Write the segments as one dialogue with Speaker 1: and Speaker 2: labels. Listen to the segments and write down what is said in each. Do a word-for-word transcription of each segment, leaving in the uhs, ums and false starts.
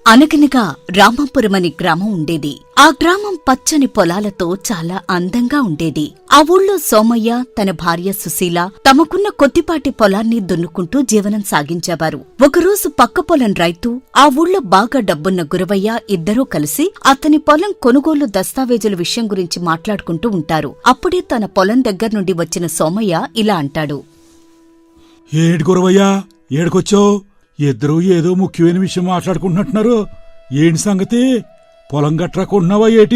Speaker 1: అనగనగా రామాపురమని గ్రామం ఉండేది. ఆ గ్రామం పచ్చని పొలాలతో చాలా అందంగా ఉండేది. ఆ ఊళ్ళో సోమయ్య, తన భార్య సుశీల తమకున్న కొద్దిపాటి పొలాన్ని దున్నుకుంటూ జీవనం సాగించేవారు. ఒకరోజు పక్క పొలం రైతు, ఆ ఊళ్ళో బాగా డబ్బున్న గురవయ్య ఇద్దరూ కలిసి అతని పొలం కొనుగోలు దస్తావేజుల విషయం గురించి మాట్లాడుకుంటూ ఉంటారు. అప్పుడే తన పొలం దగ్గర్నుండి వచ్చిన సోమయ్య ఇలా అంటాడు.
Speaker 2: ఏడు గురవయ్యా, ఏడుకొచ్చావు? ఇద్దరూ ఏదో ముఖ్యమైన విషయం మాట్లాడుకుంటున్నట్టున్నారు. ఏంటి సంగతి? పొలం గట్రా కొంటున్నావా ఏటి?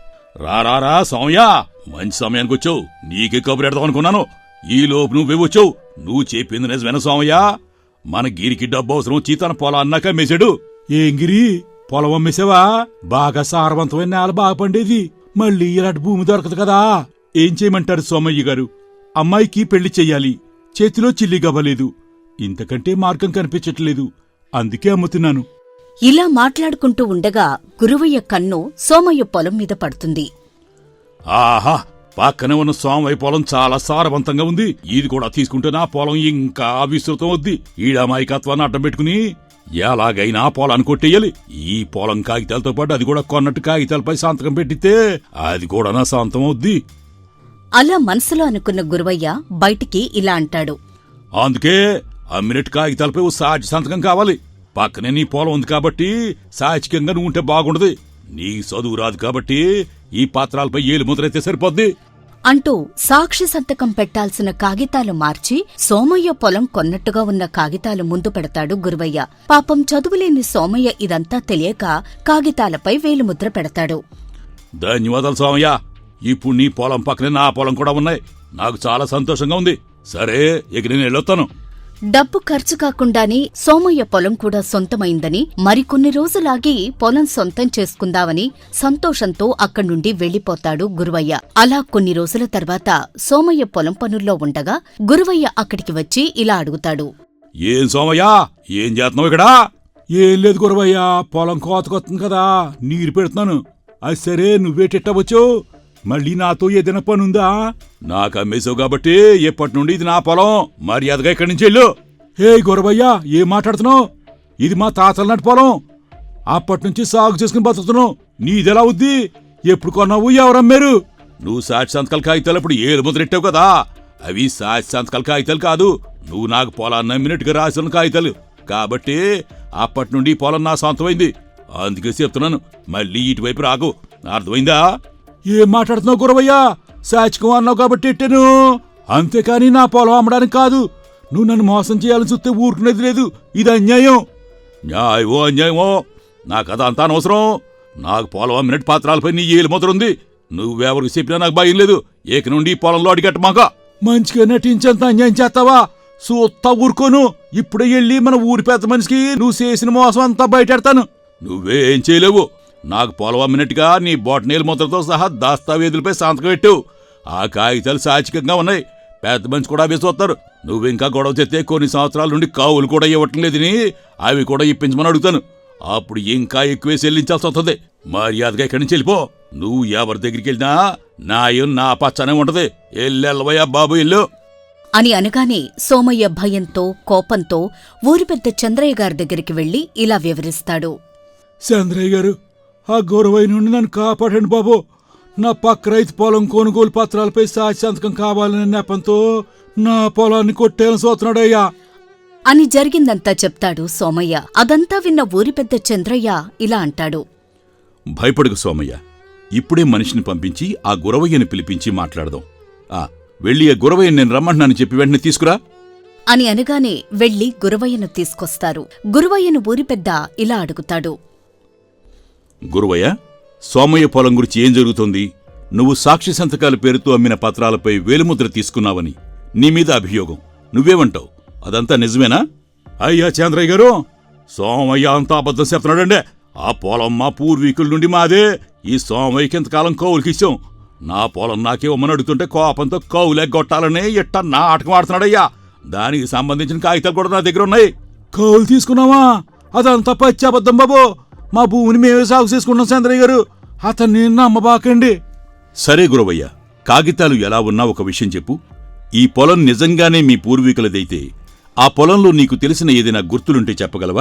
Speaker 3: రారా సౌమ్య, మంచి సమయానికి వచ్చావు. నీకే కబురు ఎడదాం అనుకున్నాను. ఈ లోపు నువ్వే వచ్చావు. నువ్వు చెప్పింది నిజమేనా సౌమ్య? మన గిరికి డబ్బు అవసరం వచ్చి తన పొలాన్నాక అమ్మేశాడు.
Speaker 2: ఏం గిరి, పొలం అమ్మేసావా? బాగా సారవంతమైన నేల బాగా పండేది. మళ్ళీ ఇలాంటి భూమి దొరకదు కదా. ఏం చేయమంటారు సోమయ్య గారు? అమ్మాయికి పెళ్లి చెయ్యాలి. చేతిలో చిల్లి గవ్వలేదు. ఇంతకంటే మార్గం కనిపించట్లేదు. అందుకే అమ్ముతున్నాను.
Speaker 1: ఇలా మాట్లాడుకుంటూ ఉండగా గురువయ్య కన్ను సోమయ్య పొలం మీద పడుతుంది.
Speaker 3: ఆహా, పక్కనే ఉన్న సోమయ్య పొలం చాలా సారవంతంగా ఉంది. ఇది కూడా తీసుకుంటే నా పొలం ఇంకా విస్తృతం వద్ది. ఈడమాయికత్వాన్ని అడ్డం పెట్టుకుని ఎలాగైనా పొలాన్ని కొట్టేయాలి. ఈ పొలం కాగితాలతో పాటు అది కూడా కొన్నట్టు కాగితాలపై సంతకం పెట్టితే అది కూడా నా సొంతం అవుద్ది.
Speaker 1: అలా మనసులో అనుకున్న గురువయ్య బయటికి ఇలా అంటాడు.
Speaker 3: అందుకే అమ్మినట్టు కాగితాలపై ఓ సాక్షి సంతకం కావాలి. పక్కనే నీ పొలం ఉంది కాబట్టి సాచికంగా నువ్వు ఉంటే బాగుండదు. నీ చదువు రాదు కాబట్టి ఈ పత్రాలపై ఏలు ముద్రైతే సరిపోద్ది
Speaker 1: అంటూ సాక్షి సంతకం పెట్టాల్సిన కాగితాలు మార్చి సోమయ్య పొలం కొన్నట్టుగా ఉన్న కాగితాలు ముందు పెడతాడు గురువయ్య. పాపం చదువులేని సోమయ్య ఇదంతా తెలియక కాగితాలపై వేలుముద్ర పెడతాడు.
Speaker 3: ధన్యవాదాలు సోమయ్య. ఇప్పుడు నీ పొలం పక్కనే నా పొలం కూడా ఉన్నాయి. నాకు చాలా సంతోషంగా ఉంది. సరే, ఇక నేను వెళ్ళొస్తాను.
Speaker 1: డబ్బు ఖర్చు కాకుండానే సోమయ్య పొలం కూడా సొంతమైందని, మరికొన్ని రోజులాగి పొలం సొంతం చేసుకుందామని సంతోషంతో అక్కడ్నుండి వెళ్లిపోతాడు గురువయ్య. అలా కొన్ని రోజుల తర్వాత సోమయ్య పొలం పనుల్లో ఉండగా గురువయ్య అక్కడికి వచ్చి ఇలా అడుగుతాడు.
Speaker 3: ఏం సోమయ్య, ఏం చేస్తున్నావు ఇక్కడ?
Speaker 2: ఏం లేదు గురవయ్య, పొలం కోతకొస్తుంది కదా, నీరు పెడుతున్నాను. అది సరే, నువ్వేటెట్టవచ్చు? మళ్ళీ నాతో ఏదైనా పనుందా?
Speaker 3: నాకు అమ్మేశావు కాబట్టి ఎప్పటి నుండి ఇది నా పొలం. మర్యాదగా ఇక్కడి నుంచి వెళ్ళు.
Speaker 2: హే గురవయ్య, ఏం మాట్లాడుతున్నావు? ఇది మా తాతల నాటి పొలం. అప్పటినుంచి సాగు చేసుకుని బతుకుతున్నావు. నీదెలా అవుద్ది? ఎప్పుడు కొన్నావు? ఎవరమ్మారు?
Speaker 3: నువ్వు సాక్షి సంతకాల కాగితాలు అప్పుడు ఏలు ముద్రెట్టావు కదా, అవి సాక్షి సంతకాల కాగితాలు కాదు. నువ్వు నాకు పొలాన్ని అమ్మినట్టుగా రాసిన కాగితాలు కాబట్టి అప్పటి నుండి పొలం నా సొంతమైంది. అందుకే చెప్తున్నాను, మళ్ళీ ఇటువైపు రాకు. అర్థమైందా?
Speaker 2: ఏం మాట్లాడుతున్నావు గురవయ్య? సాచికం అన్నావు కాబట్టి ఎట్టాను, అంతేకాని నా పొలం అమ్మడానికి కాదు. నువ్వు నన్ను మోసం చేయాలని చూస్తే ఊరుకునేది లేదు. ఇది అన్యాయం.
Speaker 3: న్యాయమో అన్యాయమో నాకు అదంతా అనవసరం. నాకు పొలం అమ్మినట్టు పత్రాలపై నీ ఏలు ముద్ర ఉంది. నువ్వెవరికి చెప్పినా నాకు భయం లేదు. ఏక నుండి పొలంలో అడిగట్టమాక.
Speaker 2: మంచిగా నటించేంత అన్యాయం చేస్తావా? సూత్తా ఊరుకోను. ఇప్పుడే వెళ్ళి మన ఊరి పెద్ద మనిషికి నువ్వు చేసిన మోసం అంతా బయటెడతాను.
Speaker 3: నువ్వేం చేయలేవు. నాకు పొలం అమ్మినట్టుగా నీ బొటనేలు ముద్రతో సహా దస్తావేజులపై సంతకం పెట్టావు. ఆ కాగితాలు సాచికంగా ఉన్నాయి. పెద్ద మనిషి కూడా వేసొస్తారు. నువ్వింకా గొడవ చేస్తే కొన్ని సంవత్సరాల నుండి కావులు కూడా ఇవ్వటం లేదని అవి కూడా ఇప్పించమని అడుగుతాను. అప్పుడు ఇంకా ఎక్కువే చెల్లించాల్సి వస్తుంది. మర్యాదగా ఇక్కడి నుంచి వెళ్ళిపో. నువ్వు ఎవరి దగ్గరికి వెళ్ళినా నాయం నా పచ్చనే ఉంటది. ఎల్లెల్లవయ్యా బాబు ఇల్లు
Speaker 1: అని అనగానే సోమయ్య భయంతో కోపంతో ఊరి పెద్ద చంద్రయ్య గారి దగ్గరికి వెళ్లి ఇలా వివరిస్తాడు.
Speaker 2: చంద్రయ్య గారు, ఆ గౌరవయ్య నుండి నన్ను కాపాడండి బాబు. నా పక్క రైతు పొలం కొనుగోలు పత్రాలపై సాక్షి సంతకం కావాలనే నెపంతో నా పొలాన్ని కొట్టేయాలని చూస్తున్నాడయ్యా
Speaker 1: అని జరిగిందంతా చెప్తాడు సోమయ్య. అదంతా విన్న ఊరి పెద్ద చంద్రయ్య ఇలా అంటాడు.
Speaker 3: భయపడుకు సోమయ్య, ఇప్పుడే మనిషిని పంపించి ఆ గురవయ్యని పిలిపించి మాట్లాడదాం. ఆ వెళ్ళి ఆ గురవయ్యని నేను రమ్మంటున్నాను చెప్పి వెంటనే తీసుకురా
Speaker 1: అని అనగానే వెళ్లి గురవయ్యను తీసుకొస్తారు. గురవయ్యను ఊరి పెద్ద ఇలా అడుగుతాడు.
Speaker 3: గురువయ్య, సోమయ్య పొలం గురించి ఏం జరుగుతోంది? నువ్వు సాక్షి సంతకాల పేరుతో అమ్మిన పత్రాలపై వేలుముద్ర తీసుకున్నావని నీ మీద అభియోగం. నువ్వేమంటావు? అదంతా నిజమేనా?
Speaker 2: అయ్యా చంద్రయ్య గారు,
Speaker 3: సోమయ్య అంతా అబద్ధం చెప్తున్నాడండే. ఆ పొలం మా పూర్వీకుల నుండి మాదే. ఈ సోమయ్యకి ఇంతకాలం కౌలుకిచ్చాం. నా పొలం నాకేమని అడుగుతుంటే కోపంతో కౌలెగ్గొట్టాలని ఇట్ట నాటకం ఆడుతున్నాడయ్యా. దానికి సంబంధించిన కాగితాలు కూడా నా దగ్గర ఉన్నాయి.
Speaker 2: కౌలు తీసుకున్నావా? అదంతా పచ్చి అబద్ధం బాబు. మా భూమిని మేమే సాగు చేసుకున్నాం చంద్రయ్య గారు. అతన్ని నమ్మబాకండి.
Speaker 3: సరే గురవయ్య, కాగితాలు ఎలా ఉన్నా ఒక విషయం చెప్పు. ఈ పొలం నిజంగానే మీ పూర్వీకులదైతే ఆ పొలంలో నీకు తెలిసిన ఏదైనా గుర్తులుంటే చెప్పగలవా?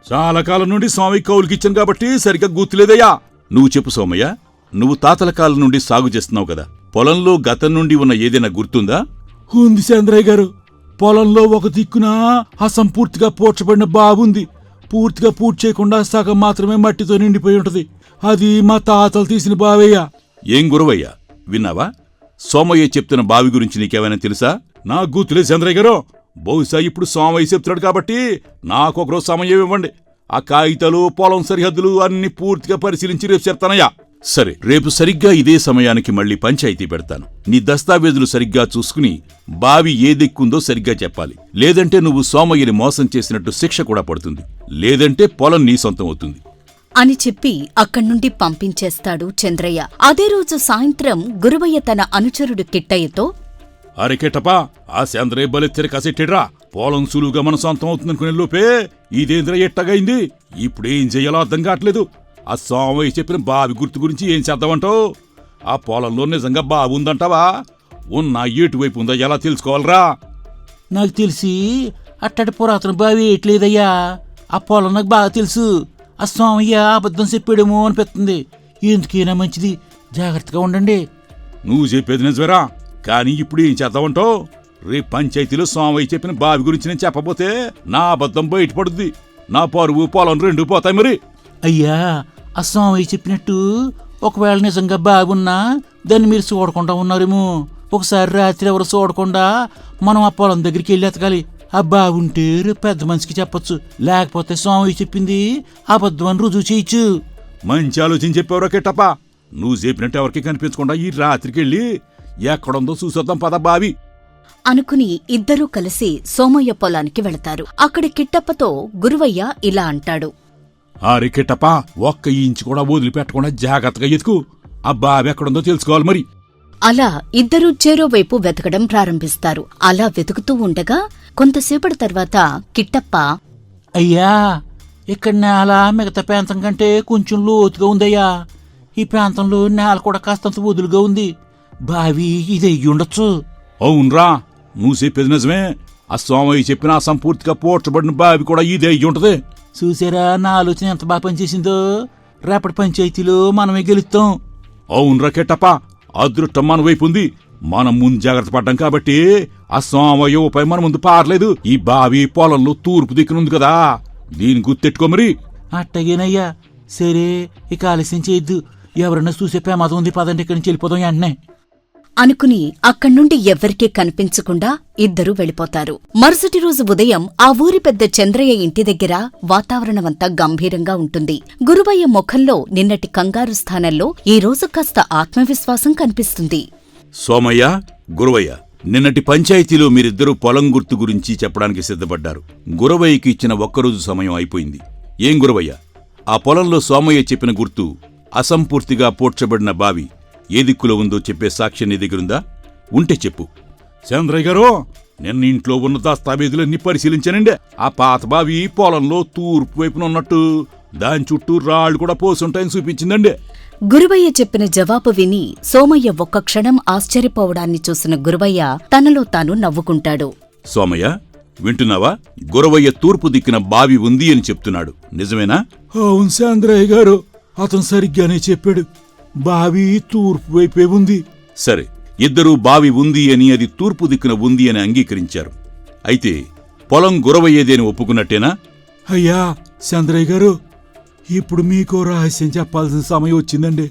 Speaker 3: చాలా కాలం నుండి స్వామి కౌలుకిచ్చాను కాబట్టి సరిగ్గా గుర్తులేదయ్యా. నువ్వు చెప్పు సోమయ్య, నువ్వు తాతల కాలం నుండి సాగు చేస్తున్నావు కదా, పొలంలో గతం నుండి ఉన్న ఏదైనా గుర్తుందా?
Speaker 2: ఉంది చంద్రయ్య గారు. పొలంలో ఒక దిక్కున అసంపూర్తిగా పూడ్చబడిన బావుంది. పూర్తిగా పూర్తి చేయకుండా సగం మాత్రమే మట్టితో నిండిపోయి ఉంటది. అది మా తాతలు తీసిన బావయ్యా.
Speaker 3: ఏం గురవయ్య, విన్నావా? సోమయ్య చెప్తున్న బావి గురించి నీకేమైనా తెలుసా?
Speaker 2: నాకు గుర్తులేదు చంద్రయ్య గారు.
Speaker 3: బహుశా ఇప్పుడు సోమయ్య చెప్తున్నాడు కాబట్టి నాకు ఒకరోజు సమయం ఇవ్వండి. ఆ కాగితాలు, పొలం సరిహద్దులు అన్ని పూర్తిగా పరిశీలించి రేపు చెప్తానయ్యా. సరే, రేపు సరిగ్గా ఇదే సమయానికి మళ్ళీ పంచాయతీ పెడతాను. నీ దస్తావేజులు సరిగ్గా చూసుకుని బావి ఏ దిక్కుందో సరిగ్గా చెప్పాలి. లేదంటే నువ్వు సోమయ్యని మోసం చేసినట్టు శిక్ష కూడా పడుతుంది. లేదంటే పొలం నీ సొంతం అవుతుంది
Speaker 1: అని చెప్పి అక్కడ్నుండి పంపించేస్తాడు చంద్రయ్య. అదే రోజు సాయంత్రం గురవయ్య తన అనుచరుడు కిట్టయ్యతో,
Speaker 3: అరే కిట్టపా, ఆ చంద్రయ్య బలెత్తెర కసెట్టిడ్రా. పొలం సులువుగా మన సొంతం అవుతుందనుకునే లోపే ఇదేంద్ర ఎట్టగైంది. ఇప్పుడేం చెయ్యాలో అర్థం కావట్లేదు. ఆ సోమయ్య చెప్పిన బావి గుర్తు గురించి ఏం చేద్దామంటావు? ఆ పొలంలో నిజంగా బావి ఉందంటావా? ఉన్నా ఎటువైపు ఉందో ఎలా తెలుసుకోవాలరా?
Speaker 4: నాకు తెలిసి అట్టడి పురాతన బావి ఏట్లేదయ్యా. ఆ పొలం నాకు బాగా తెలుసు. ఆ స్వామయ్య అబద్ధం చెప్పాడేమో అనిపిస్తుంది. ఎందుకైనా మంచిది, జాగ్రత్తగా ఉండండి.
Speaker 3: నువ్వు చెప్పేది నిజమేరా, కానీ ఇప్పుడు ఏం చేద్దామంటావు? రేపు పంచాయతీలో సోమయ్య చెప్పిన బావి గురించి నేను చెప్పబోతే నా అబద్ధం బయటపడుద్ది. నా పరువు, పొలం రెండు పోతాయి. మరి
Speaker 4: అయ్యా, ఆ స్వామయ్య చెప్పినట్టు ఒకవేళ నిజంగా బాగున్నా దాన్ని మీరు చూడకుండా ఉన్నారేమో. ఒకసారి రాత్రి ఎవరు చూడకుండా మనం ఆ పొలం దగ్గరికి వెళ్ళి ఎతకాలి. ఆ బాగుంటే రేపు పెద్ద మనిషికి చెప్పొచ్చు. లేకపోతే స్వామి చెప్పింది అబద్ధం అని రుజువు చేయొచ్చు.
Speaker 3: మంచి ఆలోచన చెప్పావురా కిట్టప్ప. నువ్వు చెప్పినట్టు ఎవరికి కనిపించకుండా ఈ రాత్రికి వెళ్ళి ఎక్కడుందో చూసొద్దాం పద బావి
Speaker 1: అనుకుని ఇద్దరూ కలిసి సోమయ్య పొలానికి వెళతారు. అక్కడ కిట్టప్పతో గురువయ్య ఇలా అంటాడు,
Speaker 2: అరే కిట్టప్ప, ఒక్క ఇంచు కూడా వదిలిపెట్టకుండా జాగ్రత్తగా ఎతుకు. ఆ బావి ఎక్కడుందో తెలుసుకోవాలి మరి.
Speaker 1: అలా ఇద్దరూ చెరోవైపు వెతకడం ప్రారంభిస్తారు. అలా వెతుకుతూ ఉండగా కొంతసేపటి తర్వాత కిట్టప్ప,
Speaker 4: అయ్యా, ఇక్కడ నేల మిగతా ప్రాంతం కంటే కొంచెం లోతుగా ఉందయ్యా. ఈ ప్రాంతంలో నేల కూడా కాస్తంత వదులుగా ఉంది. బావి ఇది అయ్యి ఉండొచ్చు.
Speaker 3: అవునరా, నువ్వు చెప్పేది నిజమే. ఆ సోమయ్య చెప్పిన అసంపూర్తిగా పోడ్చబడిన బావి కూడా ఇదే అయ్యి ఉంటది.
Speaker 4: చూసారా నా ఆలోచన ఎంత బాగా పనిచేసిందో? రేపటి పంచాయతీలో మనమే గెలుస్తాం.
Speaker 3: అవునరా కిట్టప్ప, అదృష్టం మన వైపు ఉంది. మనం ముందు జాగ్రత్త పడ్డాం కాబట్టి ఆ సోమయ్య ఉపాయం మన ముందు పారలేదు. ఈ బావి పొలంలో తూర్పు దిక్కునుంది కదా, దీని గుర్తెట్టుకో మరి.
Speaker 4: అట్టగేనయ్యా. సరే, ఇక ఆలస్యం చేయొద్దు. ఎవరన్నా చూసే ప్రమాదం ఉంది, పదండి ఇక్కడి నుంచి వెళ్ళిపోదాం వెంటనే
Speaker 1: అనుకుని అక్కడ్నుండి ఎవ్వరికీ కనిపించకుండా ఇద్దరూ వెళ్ళిపోతారు. మరుసటి రోజు ఉదయం ఆ ఊరి పెద్ద చంద్రయ్య ఇంటి దగ్గర వాతావరణమంతా గంభీరంగా ఉంటుంది. గురువయ్య ముఖంలో నిన్నటి కంగారు స్థానంలో ఈ రోజు కాస్త ఆత్మవిశ్వాసం కనిపిస్తుంది.
Speaker 3: సోమయ్య, గురవయ్య, నిన్నటి పంచాయతీలో మీరిద్దరూ పొలం గుర్తు గురించి చెప్పడానికి సిద్ధపడ్డారు. గురవయ్యకి ఇచ్చిన ఒక్కరోజు సమయం అయిపోయింది. ఏం గురవయ్య, ఆ పొలంలో సోమయ్య చెప్పిన గుర్తు అసంపూర్తిగా పోడ్చబడిన బావి ఏ దిక్కులో ఉందో చెప్పే సాక్ష్యం నీ దగ్గరుందా? ఉంటే చెప్పు.
Speaker 2: చంద్రయ్య గారు, నిన్న ఇంట్లో ఉన్న దస్తావేజులన్నీ పరిశీలించానండి. ఆ పాత బావి పొలంలో తూర్పు వైపున ఉన్నట్టు దాని చుట్టూ రాళ్లు కూడా పోసుంటాయని చూపించిందండి.
Speaker 1: గురువయ్య చెప్పిన జవాబు విని సోమయ్య ఒక్క క్షణం ఆశ్చర్యపోవడాన్ని చూసిన గురువయ్య తనలో తాను నవ్వుకుంటాడు.
Speaker 3: సోమయ్య, వింటున్నావా? గురవయ్య తూర్పు దిక్కున బావి ఉంది అని చెప్తున్నాడు, నిజమేనా?
Speaker 2: అవును చంద్రయ్య గారు, అతను సరిగ్గానే చెప్పాడు. బావి తూర్పు వైపే ఉంది.
Speaker 3: సరే, ఇద్దరూ బావి ఉంది అని, అది తూర్పు దిక్కున ఉంది అని అంగీకరించారు. అయితే పొలం గురవయ్యేదేని ఒప్పుకున్నట్టేనా?
Speaker 2: అయ్యా చంద్రయ్య గారు, ఇప్పుడు మీకో రహస్యం చెప్పాల్సిన సమయం వచ్చిందండి.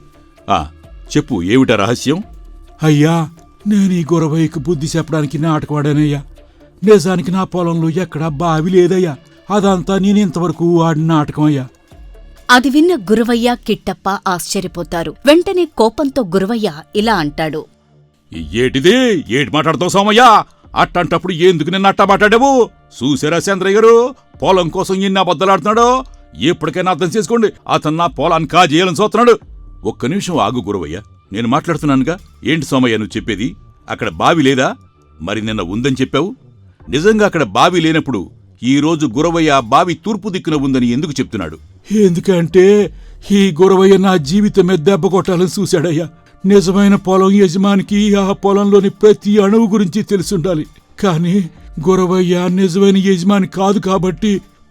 Speaker 3: ఆ చెప్పు, ఏమిటా రహస్యం?
Speaker 2: అయ్యా, నేను ఈ గురవయ్యకు బుద్ధి చెప్పడానికి నాటకవాడానయ్యా. నిజానికి నా పొలంలో ఎక్కడా బావి లేదయ్యా. అదంతా నేను ఇంతవరకు ఆడిన నాటకం అయ్యా.
Speaker 1: అది విన్న గురువయ్య, కిట్టప్ప ఆశ్చర్యపోతారు. వెంటనే కోపంతో గురువయ్య ఇలా అంటాడు,
Speaker 3: ఏటిది? ఏటి మాట్లాడతావు సోమయ్య? అట్టంటప్పుడు ఎందుకు నిన్న అట్టా మాట్లాడావు? చూసారా చంద్రయ్య గారు, పొలం కోసం ఎన్ని అబద్దాలాడుతున్నాడో? ఎప్పటికైనా అర్థం చేసుకోండి, అతను నా పొలాన్ని కాజేయాలని చూస్తున్నాడు. ఒక్క నిమిషం ఆగు గురవయ్య, నేను మాట్లాడుతున్నానుగా. ఏంటి సోమయ్య నువ్వు చెప్పేది? అక్కడ బావి లేదా? మరి నిన్న ఉందని చెప్పావు. నిజంగా అక్కడ బావి లేనప్పుడు ఈ రోజు గురవయ్య బావి తూర్పు దిక్కున ఉందని ఎందుకు చెప్తున్నాడు?
Speaker 2: ఎందుకంటే ఈ గురవయ్య నా జీవితం మీద దెబ్బ కొట్టాలని చూశాడయ్యా. నిజమైన పొలం యజమానికి ఆ పొలంలోని ప్రతి అణువు గురించి తెలుసుండాలి. కానీ గురవయ్య నిజమైన యజమాని కాదు కాబట్టి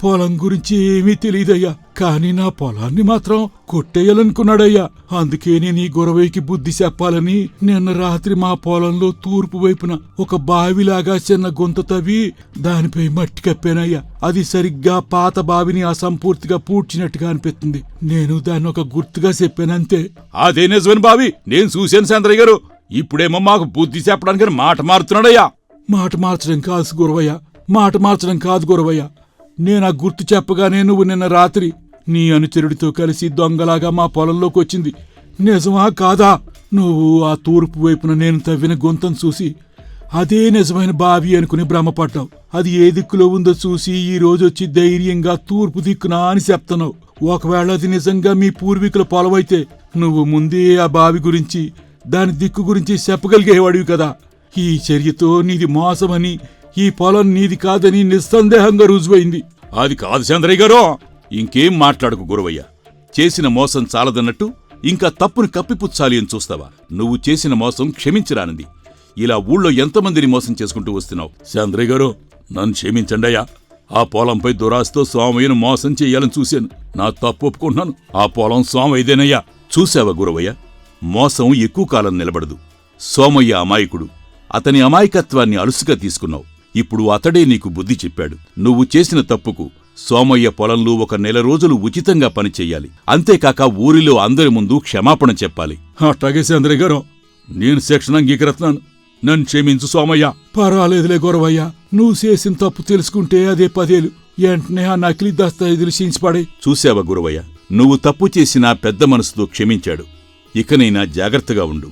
Speaker 2: పొలం గురించి ఏమీ తెలియదయ్యా. కాని నా పొలాన్ని మాత్రం కొట్టేయాలనుకున్నాడయ్యా. అందుకే నేను ఈ గురవయ్యకి బుద్ధి చెప్పాలని నిన్న రాత్రి మా పొలంలో తూర్పు వైపున ఒక బావిలాగా చిన్న గుంత తవ్వి దానిపై మట్టి కప్పానయ్యా. అది సరిగ్గా పాత బావిని అసంపూర్తిగా పూడ్చినట్టుగా అనిపిస్తుంది. నేను దాన్ని ఒక గుర్తుగా చెప్పానంతే.
Speaker 3: అదే నిజమైన బావి నేను చూశాను చంద్రయ్య గారు. ఇప్పుడేమో మాకు బుద్ధి చెప్పడానికి మాట మారుతున్నాడయ్యా.
Speaker 2: మాట మార్చడం కాదు గురవయ్య, మాట మార్చడం కాదు గురవయ్య. నేనా గుర్తు చెప్పగానే నువ్వు నిన్న రాత్రి నీ అనుచరుడితో కలిసి దొంగలాగా మా పొలంలోకి వచ్చింది నిజమా కాదా? నువ్వు ఆ తూర్పు వైపున నేను తవ్విన గుంతం చూసి అదే నిజమైన బావి అనుకుని భ్రమపడ్డావు. అది ఏ దిక్కులో ఉందో చూసి ఈ రోజొచ్చి ధైర్యంగా తూర్పు దిక్కునా అని చెప్తున్నావు. ఒకవేళ అది నిజంగా మీ పూర్వీకుల పొలమైతే నువ్వు ముందే ఆ బావి గురించి దాని దిక్కు గురించి చెప్పగలిగేవాడివి కదా. ఈ చర్యతో నీది మోసమని, ఈ పొలం నీది కాదని నిస్సందేహంగా రుజువైంది.
Speaker 3: అది కాదు చంద్రయ్య గారు. ఇంకేం మాట్లాడకు గురవయ్య. చేసిన మోసం చాలదన్నట్టు ఇంకా తప్పుని కప్పిపుచ్చాలి అని చూస్తావా? నువ్వు చేసిన మోసం క్షమించరానిది. ఇలా ఊళ్ళో ఎంతమందిని మోసం చేసుకుంటూ వస్తున్నావు. చంద్రయ్య గారు నన్ను క్షమించండయ్యా. ఆ పొలంపై దురాశతో సోమయ్యను మోసం చెయ్యాలని చూశాను. నా తప్పు ఒప్పుకుంటున్నాను. ఆ పొలం సోమయ్యదేనయ్యా. చూశావా గురవయ్య, మోసం ఎక్కువ కాలం నిలబడదు. సోమయ్య అమాయకుడు. అతని అమాయకత్వాన్ని అలుసుగా తీసుకున్నావు. ఇప్పుడు అతడే నీకు బుద్ధి చెప్పాడు. నువ్వు చేసిన తప్పుకు సోమయ్య పొలంలో ఒక నెల రోజులు ఉచితంగా పనిచెయ్యాలి. అంతేకాక ఊరిలో అందరి ముందు క్షమాపణ చెప్పాలి.
Speaker 2: అట్టాగే చంద్రయ్య గారు,
Speaker 3: నేను శిక్షణ అంగీకరిస్తున్నాను. నన్ను క్షమించు సోమయ్య.
Speaker 2: పర్వాలేదులే గురవయ్య. నువ్వు చేసిన తప్పు తెలుసుకుంటే అదే పదేలు. వెంటనే ఆ నకిలీ దస్తావేజులు చించిపడే.
Speaker 3: చూశావా గురవయ్య, నువ్వు తప్పు చేసినా పెద్ద మనసుతో క్షమించాడు. ఇకనైనా జాగ్రత్తగా ఉండు.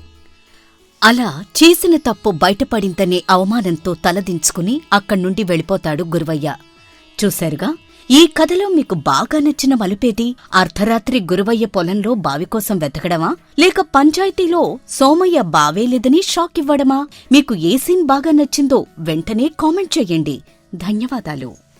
Speaker 1: అలా చేసిన తప్పు బయటపడిందనే అవమానంతో తలదించుకుని అక్కడ్నుండి వెళ్ళిపోతాడు గురవయ్య. చూశారుగా, ఈ కథలో మీకు బాగా నచ్చిన మలుపేది? అర్ధరాత్రి గురవయ్య పొలంలో బావి కోసం వెతకడమా, లేక పంచాయతీలో సోమయ్య బావే లేదని షాక్ ఇవ్వడమా? మీకు ఏ సీన్ బాగా నచ్చిందో వెంటనే కామెంట్ చెయ్యండి. ధన్యవాదాలు.